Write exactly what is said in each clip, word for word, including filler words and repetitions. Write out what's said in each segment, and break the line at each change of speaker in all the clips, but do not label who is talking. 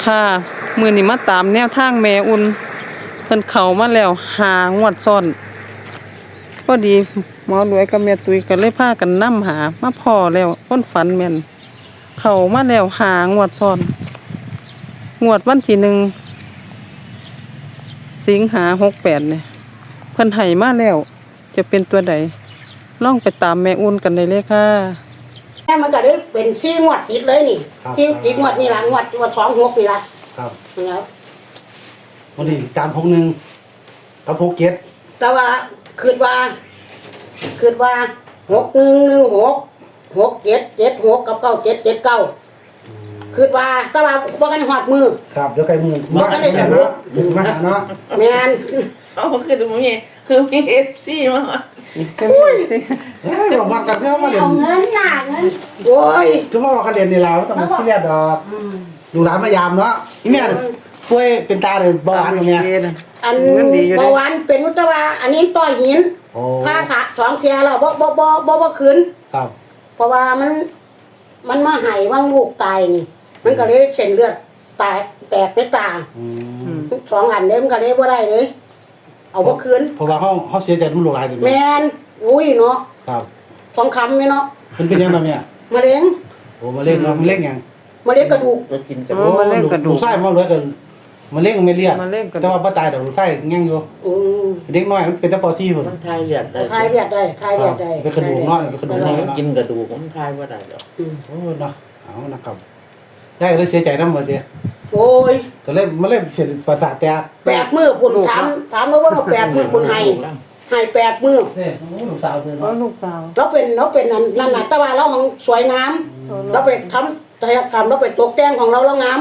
ค่ะมื้อนี้มาตามแนวทางแม่อุ่นเพิ่นเข้ามาแล้วหางวดซ้อนพอดีหมอรวยกับแม่ตุ้ยก็เลยพากันนำหามาพ้อแล้วคนฝันแม่นเข้ามาแล้วหางวดซ้อนงวดวันที่หนึ่งสิงหาหกแปดเนี่ยเพิ่นให้มาแล้วจะเป็นตัวใดลองไปตามแม่อุ่นกันได้เลยค่ะ
แม่มันก็ได้เป็นซี่งวดติดเลยนี่ซี่ติดงวดนี่ละงวดงวดสองหกนี่ละ
ครับ
แล้ว
วันนี้ตามพงหนึ่งกับพกเก็ด
แต่ว่าคืดว่าคืดว่าหกหนึ่งหนึ่งหกหกเจ็ดเจ็ดหกกับเก้าเจ็ดเจ็ดเก้าคืดว่าแต่ว่าว่ากันหอดมือ
ครับเดี๋ยวไก่มือมากันเลยเนาะมาหาเนาะ
แมน
เอาคือตรงนี้คือมีเอฟซีมา
อุ้ยเฮ้ยบอกวันกันเพื่อมาเรียน
เอาเงินหนาเงิน
โอ้ย
คือว่ากันเรียนในเราต้องมาเรียนดอกดูร้านมายามเนาะอีแม่ป่วยเป็นตาเลยเบาหวานอย่างเงี้ย
อันเบาหวานเป็นอุตวาอันนี้ต้อหินผ้าสะสองเทียแล้วบ่บ่บ่บ่บ่คืน
ครับ
เพราะว่ามันมันมาหายว่างลูกตายนี่มันก็เลยเส้นเลือดตายแตกในตาสองอันเลยมันก็เลยบ่ได้เลยเอาบ่คืน
เพราะว่าเขาเขาเสียใจมันหลงหลายเลย
แมนอุ้ยเนาะ
ครับ
ทองคำนี่เนาะ
มันเป็นยังไงเนี่ย
มะเร็ง
โอ้มะเร็งเนาะมะเร็งยัง
มะเร็งกระดูก
จะกินจะ
โอ้มะเร็งกระดูกไส้มันรวยกันมะเร็งไม่เลียดแต่ว่าป้าตายดอกไส้แง่งอยู่เด็กน้อยมันเป็นตะปอซี่
ผมทายเลือดได้
ทายเลือดได้ทายเลือดได้
เป็นกระดูกน้อยเป็นกระดูกน้อย
กินกระดูกผมทายว่าได้ดอก
โอ้เนาะเอานะครับได้เลยเสียใจน้ำหมดเลย
โอ้ย
ก็เลยมาเล่นเสร็จประสาทแตก
แปดมือปุ่นถามถามแล้วว่าแปดมือปุ่นให้ให้แปดมือ
เนี่ยโอ้ลูกสาวเธอเนาะ
ลูกสาว
เราเป็นเราเป็นนั่นนั่นน่ะแต่ว่าเราของสวยงามเราไปทำศัลยกรรมเราไปตกแต่งของเราเรางาม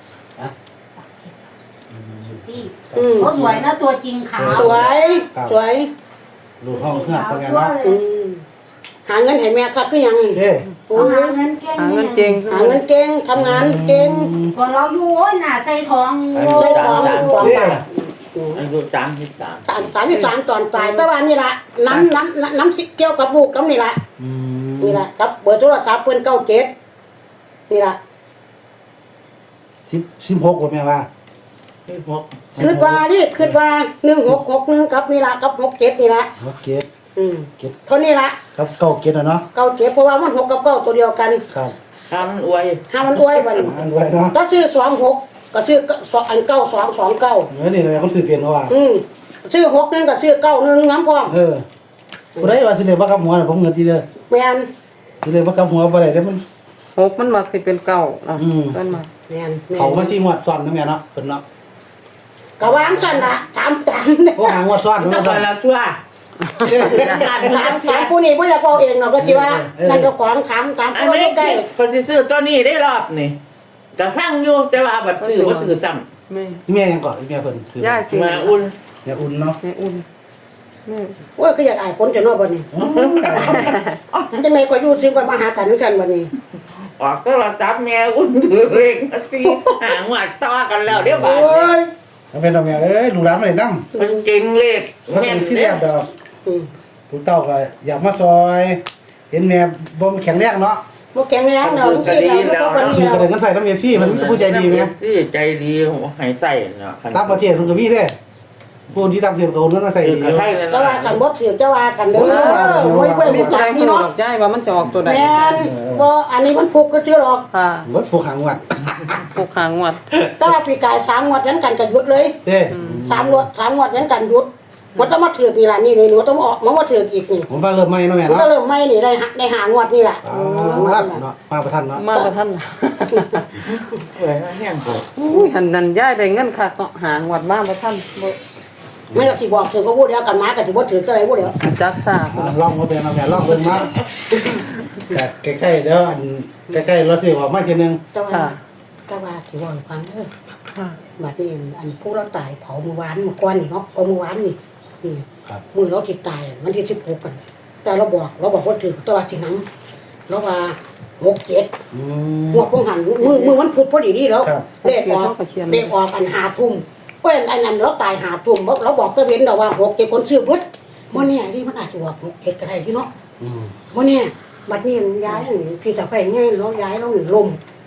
เขาสวยนะตัวจริงขาว
สวยสวย
ลูกห้องเครื่องเป็นไงเนาะ
หาเงินให้แม่ค่ะคือยัง
เฮ้
หาเงินเก่ง
หาเงินเก่ง
หาเงินเก่งทำงานเก่ง
พอเราอยู่โอ้ยหน้าใส่ทอง
ใส่ทองสองบาท
อายุสามสิบสาม
สามสามสิบสามตอนตายแต่ว่านี่ละน้ำน้ำน้ำสิเกี่ยวกับลูกน้ำนี่ละนี่ละกับเบอร์โทรศัพท์เพื่อนเก้าเจ็ดนี่ละ
สิบสิบหกว่าแม่ว่า
คืดว่านี่คืดว่าหนึ่งหกหกหนึ่งกับนี่ละกับหกเจ็ดนี่ละ
หกเจ็ด
อืมเท่านี้ละ
ครับเก้าเจ็ดนะเนาะ
เก้าเจ็ดเพราะว่ามันหกกับเก้าตัวเดียวกัน
ครับ
ห้ามันอวย
ห้ามันอวยบัน
อวยเนาะ
ถ้าซื้อสองหกก็ซื้ออันเก้าสองสองเก้า
เออนี่เลยเขาซื้อเปลี่ยนเขาว่า
อืมซื้อหกหนึ่งก็ซื้อเก้าหนึ่งน้ำพร้อม
เออผู้ใดว่าสิเลยว่ากับหัวผมเงินทีเดียว
แม่น
สิเลยว่ากับหัวบ่ได้เด้มัน
หกมันมักสิเป็นเก้าเนาะ
เพิ่นมาแม่น
เขามาสิงวดซ้อนนะแม่เนาะเพิ่นเนาะ
ก็วางซั่นล่ะถามตาม
โอ้หางวดซ้อน
ก็ไปแล้วชั่ว
ถามถามผู้นี้บ่อยากเอาเองเนาะก็สิว่านั่นเจ้าของถามถามผู้นี้ได้
ก็สิซื้อตัวนี้ได้รอบนี่ก็ฟังอยู่แต่ว่าบัดซื้อบ่ซื้อซ้ำ
แม่
แม่ยังก่อนแม่เพิ่นซื้
อย่าสิ
มาอุ่น
แม่อุ่นเนาะ
แม่อุ่นแม่
โอ้ยก็อยากอายคนจะเนาะบัดนี้จังได๋ก็อยู่ซิก็มาหากันกันบัดนี้
ออกก็เราจับแม่อุ่นถือเลขมาสิหางวัดต่อกันแล้วเดี๋ยวบาด
เอาเป็นดอกแม่เอ้ยลูกหลานมาได้นำ
มันเก่งเลข
แม่นสิแซ่บดอกอือลูกเต้าก็อยากมาซอยเห็นแม่บ่แข็งแรงเนาะ
บ่แข็งแรงเนาะสิแล้วก็
คือก็ได้เงินใส่นำ เอฟ ซี มันผู้ใจดีแม่
สิใจดีให้ใส่เนาะ
ต่างประเทศเพิ่นก็มีเด้ผู้ที่ต่างประเทศก็เอาเงินมาใส่ดี
แต่ว่ากันบ่ถือจะว่ากันเด้อโอ้ยเพิ่นรู้จักนี่เนาะ
ใจว่ามันจะออกตัวใด
แม่นบ่อันนี้มันฟุกก็ชื่อหรอก
ค่ะ
บ่ฟุกหางวัด
ฟุกหางวัด
แต่ว่าปีกายสามงวดนั้นกันก็หยุดเลย
เด้
สามงวดสามงวดนั้นกันหยุดมันต้องมาถือกนี่ล่ะนี่นี่หนูต้องออกมาว่าถือกอีกนี่
ผมว่าเริ่มใหม่เนาะแม่เนาะ
ก็เริ่มใหม่นี่ได้ได้หางวดนี่แหละ
อ๋อเนาะมาประทันเนาะ
มาประทัน
เอ้ยแห้งบ่
อุ้ยหันนั่นย้ายได้เงินคักเนาะหางวดมาประทันบ่
ไม่ก็สิบอกถือก็พูดเดียวกันมาก็สิบ่ถือตัวไหนพูดเดียว
จักซ่า
ลองมาเป็นเอาแม่ลองเบิ่งมาแต่ใกล้ๆเดี๋ยวอันใกล้ๆเราสิออกมาทีนึง
ค่ะก็ว่าสิว่าฟังเด้อค่ะบัดนี้อันผู้เราตายเผาเมื่อวานเมื่อก่อนนี่เนาะเอาเมื่อวานนี่นี่มื้อเราสิตายวันที่สิบหกกันแต่เราบอกเราบอกว่าถือตัวว่าสินำเราว่าหก เจ็ดอืมหัวพงหันมือมือมันพุดพอดีดีแล้วเลขออกเลขออกอันห้าทุ่มเพิ่นอันนั้นเราตายห้าทุ่มเราบอกตะเว้นแล้วว่าหก เจ็ดคนซื้อเบิดบ่แน่ดิมันอาจสิว่าหก เจ็ดก็ได้ที่เนาะอืมบ่แน่บัดนี้ย้ายพี่สะใภ้ใหญ่เราย้ายเราลม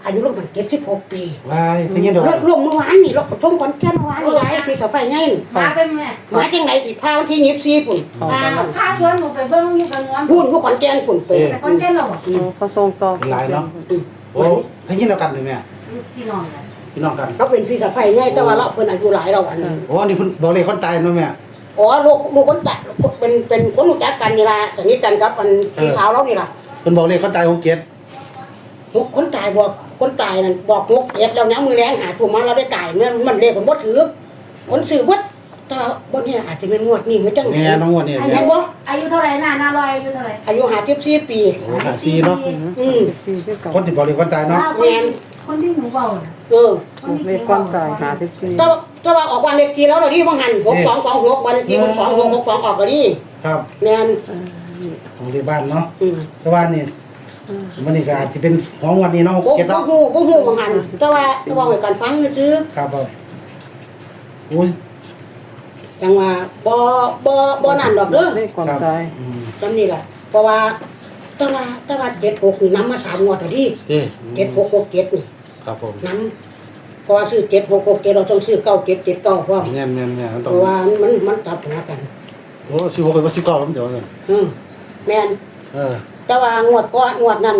อายุลูกมันเจ็ดสิบหกปี
วายทั้งนี้ดอก
รถลงเมื่อวานนี่รถชมขอนแก่นเมื่อวานนี่ยายพี่สะใภ้ไง
มาเป็นแม่
มาจังไหนสิพาวันที่ยี่สิบสี่ปุ่นพา
พาชวนหนูไปเบิ่งอยู่กับงวน
พูดผู้ขอนแก่นปุ่นไป
แต่คนแก่นเราอ่ะ
เขาส่งต่อ
เป็นหลายเนาะโอ้ทั้งนี้เดียวกันเลยแม่
พี่น้องเลย
พี่น้องกัน
เราเป็นพี่สะใภ้ไงแต่ว่าเราเพิ่นอายุหลายเราอันนั้น
โอ้อันนี้เพิ่นบอกเลยคนตายเนาะแม่
อ๋อลูกลูกคนตายเป็นเป็นคนรู้จักกันนี่ล่ะสนิทกันกับอันพี่สาวเรานี่ล่ะ
เพิ่นบอกเลยคนตายหกเจ็ด
หกคนตายบอกคนตายนั่นบอกหกเอ็ดแล้วนะมือแรงหาตัวมาเราได้ตายมันมันเลขมันบ่ถือคนซื้อบ่แต่บ่เนี่ยอาจจะเป็นงวดนี้เหมือนจัง
แม่น้องงวดนี่
อา
แม่
ยุอายุเท่าไหร่น่ะน่าลอยอายุเท่าไหร่
อายุห้าสิบสี่ปี
โอ้หาซีเนาะ
อืม
สี่ที่เก่า
คนที่บอกเลยคนตายเนาะ
คนที่หนูเบา
เออ
เลขก้อนตายหาสิบสี่
ถ้าถ้าว่าออกวันเลขที่แล้วเราดิบ่หันหกสองสองหกวันเลขที่หกสองหกหกสองออกก็ดิ
ครับ
แม่น
ของที่บ้านเนาะ
อืม
แต่ว่านี่มันนี่ก็อาจจะเป็นของวันนี้เนาะหก
บ่
เจ็ด
บ่
เนาะ
ฮู้บ่ฮู้บ่หันแต่ว่าแต่ว่าให้กันฟังซื่อ
ครับผมอุ้ย
จังว่าบ่บ่บ่นั่นดอกเด้อ
เลขก้อนตาย
อืม
จำนี่ล่ะเพราะว่าแต่ว่าแต่ว่าเจ็ดหกนี่นำมาสามงวดแล้วดิ
เด้
เจ็ดหกหกเจ็ดนี่
ครับผม
น้ำเพราะว่าซื้อเจ็ดหกหกเจ็ดเราต้องซื้อเก้าเจ็ดเจ็ดเก้าพร้อม
แม่นแม่นแม่นมัน
เพ
ต้อง
ราะว่ามันมันกลับหากัน
โอ้สิบหกกับสิบเก้าแล้วมันเดี๋ยวเนี่ย
อืมแม่น
เออ
แต่ว่างวดก่อนงวดนั้น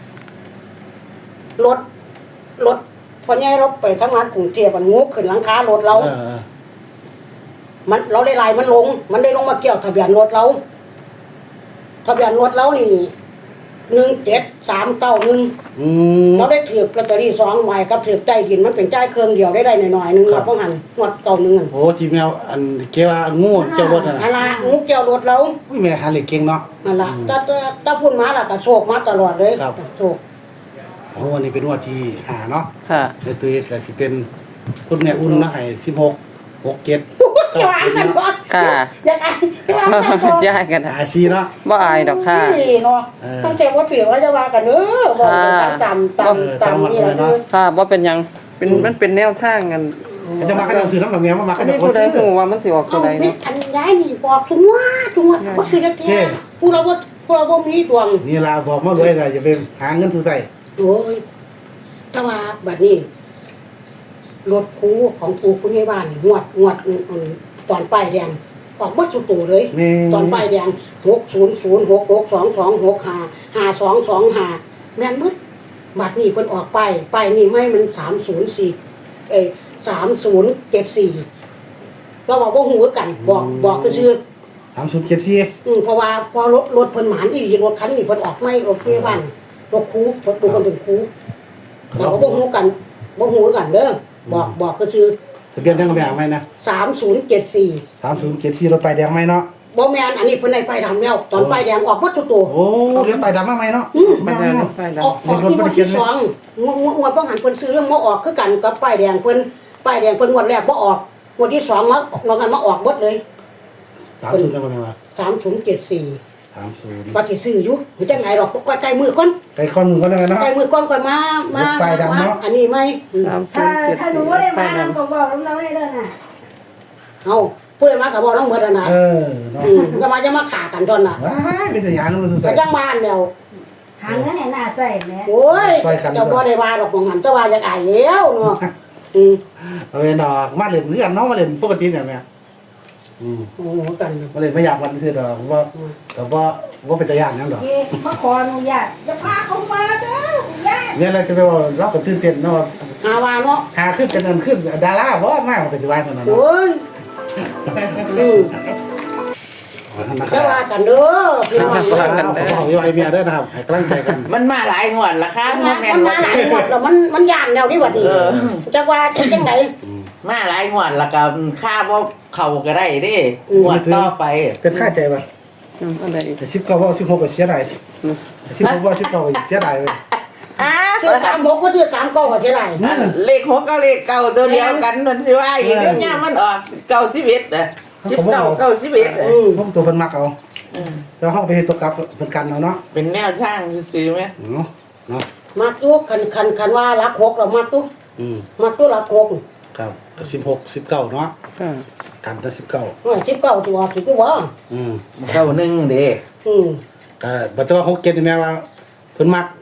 รถรถพอแย่รถไปทำงานกรุงเทพมันงูขึ้นหลังคารถเรา
เออเออ
มันเราเลยลายมันลง มันได้ลงมาเกี่ยวทะเบียนรถเราทะเบียนรถเรานี่หนึ่งเจ็ดสามเก้าหนึ่ง
อืม
เราได้ถือลอตเตอรี่สองใบกับถือใต้ดินมันเป็นจ่ายเครื่องเดียวได้ได้หน่อยๆหนึง
ครั
เรา
บ
ต้องหันงวดเก่าหนึ่งอัน
โอ้ทีแมวอันเกี่ยวว่างูเจ้ารถน่ะ
นั่นละงูเกี่ยวรถเรา
อุ้ยแม่หาเหล็กเก่งเนาะ
นั่นละถ้าถ้าถ้าพูดมาล่ะก็โชคมาตลอดเลย
ครับ
โชค
ของวันนี้เป็นวันที่ห้าเนาะ
ค่ะ
ในตัวเอกก็สิเป็นคุณแม่อุ่นนะให้สิบหกหกเจ็ด
จะวางกันก่อน
ค่ะ
อยากไอ้จะวางกันก่อน
ย้ายกันนะ
หาซีเนาะ
บ่อายดอกค่ะ
นี่เนาะ
เออ
ต้องเจ็บว่าถือว่าจะวางกันเนอะบอกกันตามตาม
เออ
ตาม
ตาม
นี่แหละ
หมดเลยเนาะ
คือ
ค่ะบ่เป็นหยังเป็นมันเป็นแนวทางกัน
จะมาก็จะซื้อน้ำแบบแม่มามา
อั
ก็
น
จะ
นี้
คน
ผู้ใด
ซื้อ
ฮู้ว่ามันสิออกตั
เอา
วใด
ไม่
เนาะ
อันย้ายนี่บอกทุกว่าทุกว่าว่าซื้อจะแท้ผู้เราว่าผู้เราว่ามีดวง
นี่ล่ะบอกมารวยล่ะอย่าไปหาเงินทุใส่
โอ้ยแต่ว่าบัดนี้รถคูของปูผู้ใหญ่บ้านนี่งวดงวดอืมอืมตอนป้ายแดงออกบัดสุดโตเลย
แม่
ตอนป้ายแดงหกศูนย์ศูนย์หกหกสองสองหกห้าห้าสองสองห้าแม่นมึดบัดนี้เพิ่นออกป้ายป้ายนี่ไม่มันสามศูนย์สี่เอ้สามศูนย์เจ็ดสี่เราบอกว่าหูกัน บอกบอกก็ชื่อ
สามศูนย์เจ็ดสี่
อืมเพราะว่าพอรถรถเพิ่นหมานอีหลีรถคันนี้เพิ่นออกไม่รถพยาบาลรถคูรถดูคนเป็นคูเราก็บ่ฮู้กันบ่ฮู้กันเด้อบอกบอกก็คือ
ทะเบียนทั้งกระแบงไหมนะ
สามศูนย์เจ็ดสี่
สามศูนย์เจ็ดสี่รถไฟแดงไหมเนาะ
บ่แม่นอันนี้เพิ่นได้ไปทำแล้วตอนป้ายแดงออกหมดทุกตัว
โอ้เลี้ยงไฟดำมาไหมเนาะ
อืม
แม่
มัน
เนาะ
ได้ไฟ
ออกออกที่วันที่สองงวดงวดงวดบ่หันเพิ่นซื้อเรื่องบ่ออกคือกันกับป้ายแดงเพิ่นป้ายแดงเพิ่นงวดแรกบ่ออกงวดที่สองมานอกนั้นมาออกหมดเลย
สามศูนย์ได้ไหมวะ
สามศูนย์เจ็ดสี่
สามศูนย์
ว่าสิซื้ออยู่มันจังไงดอกใกล้ๆมือก่อน
ไก่ข้อมือก็ได้เนาะ
ใกล้มือก่อนค่อยมามา
ไฟดำเนาะ
อันนี้ไหม
สาม
ถ้า
ศูนย์เจ็ด
ถ้าหนู
สี่
ไม่ได้
ไฟ
มา
นั้
น้ำ
น
ก็บอกน้องๆได้เลยน่ะ
เอาพูดมากับบ่ต้องเบิดแล้วนะ
เออเนาะ
อืมก็มาจะมาขากันตอนน่ะ
ว้ายเป็นสัญญาณนั่นมันสุด
ก็
ใส่
จังบ้านแล้ว
หาเงินให้หน้าใส่แม่
โอ้ย
ช่วยกันดีกว่า
เจ้าบ่ได้ว่าดอกของหันแต่ว่าอยากอายแล้วเนาะอืม
เอาไปดอกมาเล่นเรื่องเนาะมาเล่นปกติเนี่ยแม่อืม
โอ้โหกัน
มาเล่นไม่อยากวันคือดอกว่าแต่ว่าว่าเป็นตะยานนั่นดอก
เอ๊ะมาขออนุญาตจะพาเขามาเด้อญาติ
เนี่ยอะไรจะไปว่าเราก็ตื่นเต้นเนาะ
หาว่าเนาะ
หาขึ้นเป็นอันขึ้นดาราบ่มากปัจจุบันเท่านั้นเนาะ
โอ้ยอืมจะว่ากันเด้อพี่น้อง
ขอบคุณขอวิวไอเมียด้วยนะครับให้กำลังใจกัน
มันมาหลายงวดละค่ะ
มัน
บ่
มา
แม่
มัน นมาหลายหมดแล้วมันมันย่านแล้วนี่หว่าดี
เออ
จักว่าจะจังได
มาหลายงวดละก็ค่าบ่เข้าก็ได้เด้
อืม
งวดต่อไป
เป็นค่าใจป่ะ
อืมอะไรอีก
แต่สิบเก้าว่าสิบหกก็เสียดายสิบหกว่าสิบเก้าก็เสียดายเว้ย
อ้า
ซื้อสามหกก็ซื้อสามเก้าก็เท่าไหร่
อันเลขหกกับเลขเก้าตัวเดียวกันมันสิว่าอีกเดี๋ยวนี้มันออกเก้าสิบเอ็ดอ่ะสิบเก้าเก้าสิบเอ็ดอ่ะ
อืม
ผมตัวเพิ่นมักเอา
อืม
แต่เฮาไปเฮ็ดตัวกลับเพิ่นกันเอาเนาะ
เป็นแนวทางซื่อๆไหม
เนาะเนาะ
มักตู้คันคันคันว่ารักหกเรามักตู้
อืม
มักตู้รักหก
ครับสิบหก สิบเก้าเนาะ
ค่ะ
กันแต่สิบเก้า
เออสิบเก้าตัวสิบตัว
อืม
เก้าหนึ่งเด้
อืม
ก็บัดว่าหกเจ็ดนี่แม่ว่าเพิ่นมัก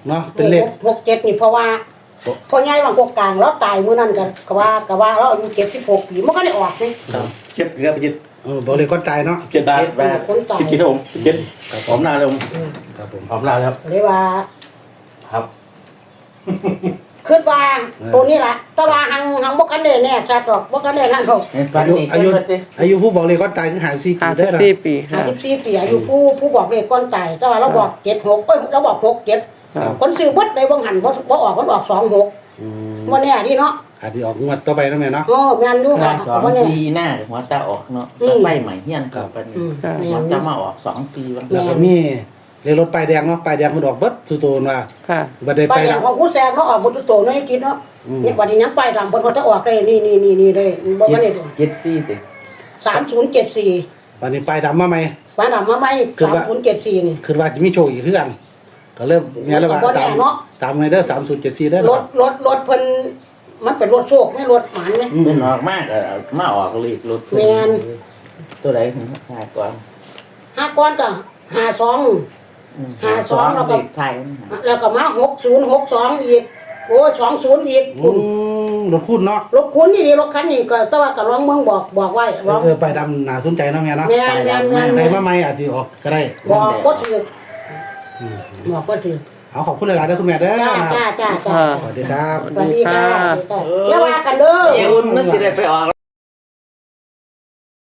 เนาะเป็นเลข
หกเจ็ดนี่เพราะว่าพ่อใหญ่บางกกลางเราตายมื้อนั้นก็ก็ว่าก็ว่าเราอายุเจ็ดสิบหกปีมันก็ได้ออกนี่
เจ็ดเรือไปเจ็ด
เออบ่เลขก้อนตายเนาะ
เจ็ดบาท
คนตาย
กินครับผมเจ็ดหอมนาเลยผม
ครับผม
หอมนาเลยครับ
เลยว่า
ครับ
คิดว่าตัวนี้ล่ะแต่ว่าหังหังบ่คันได้แน่ชัดดอกบ่คันได้นั่นดอก
อายุอายุอายุผู้บอกเลขก้อนตายคือห้าสิบสี่ปี
ห้าสิ
เด้
บ
อนะ
สี่ปีค่ะ
ห้าสิบสี่ปีอายุผู้ผู้บอกเลขก่อนตายแต่ว่าเราบอกเจ็ดหกเอ้ยเราบอกหกเจ็ด
ครับ
คนซื้อเบิดได้บ่หันบ่บ่ออกมันออกสองหก
อืม
บ่แน่ดิเนาะ
อาจจะออกงวดต่อไปนะแม่เนาะ
โอ้แม่นอยู่
หน้า
ค่ะ
สอง
บ่แน่
สี่หน้าหัวตาออกเนาะ
อืม
ไฟใหม่เฮียนกับปัน
อืม
ครับ
แม่
หัวน
อ
ตา
ยู่
มาออกสองสี่วัน
แล้วก็มีเลขรถป้ายแดงเนาะป้ายแดงมันออกเบิดสุโตนว่า
ค่ะ
บ่ได้
ไป
ไป
แล้
แล้ว ว
ของผู้แซงเขาออกบ่ตุโตเนาะให้กินเนาะ
อืม
เนี่ยวันนี้ยังไปตามเพิ่นเขาจะออกได้นี่นี่นี่นี่ได้บ่
เจ็
ว่า
ด
ได้
เจ็ดสี่สิ
สามศูนย์เจ็ดสี่
วันนี้ป้ายดำมาใหม่
ว่านำมาใหม่
คือ
สาม
ว่า
ศูนย์เจ็ดสี่นี่
คือว่าจะมีโชคอีกคือกันก็เริ่มแม่แล้วว่า
ก็บ่แน่
ตาม
เนาะ
ตามไงเด้อสามศูนย์เจ็ดสี่เด้อ
รถรถรถเพิ่นมันเป็นรถโชคไม่รถหมันไหม
เป็นออกมากเออมาออกเลยรถ
แม่น
ตัวไหนถึงหาก่อน
ห้าก้อนก็ห้าสอง
อืม
หาสองแล้วก็
เลขไทย
แล้วก็มาหกศูนย์หกสองอีกโอ้สองศูนย์อีก
อืมรถคุณเนาะ
รถคุณนี่ดิรถคันนี้ก็แต่ว่าก็ร้องเมืองบอกบอกไว้ร้อง
เออป้ายดำน่าสนใจเนาะแม่เนาะ
แม่นแม่นแม่น
ไป
แม่น
มาใหม่อาจจะออกก็ได้
บอกก็ถือบอกก็ถือ
เอาขอบคุณหลายๆเด้อคุณแม่เด้อ
จ้า
นะ
จ้าจ้าจ้า
ค่ะ
สวัสดีครับ
สวัสดีค่ะสวัสดีค่ะอย่าว่ากันเด้อ
เออุ่นนั่นสิได้ไปออก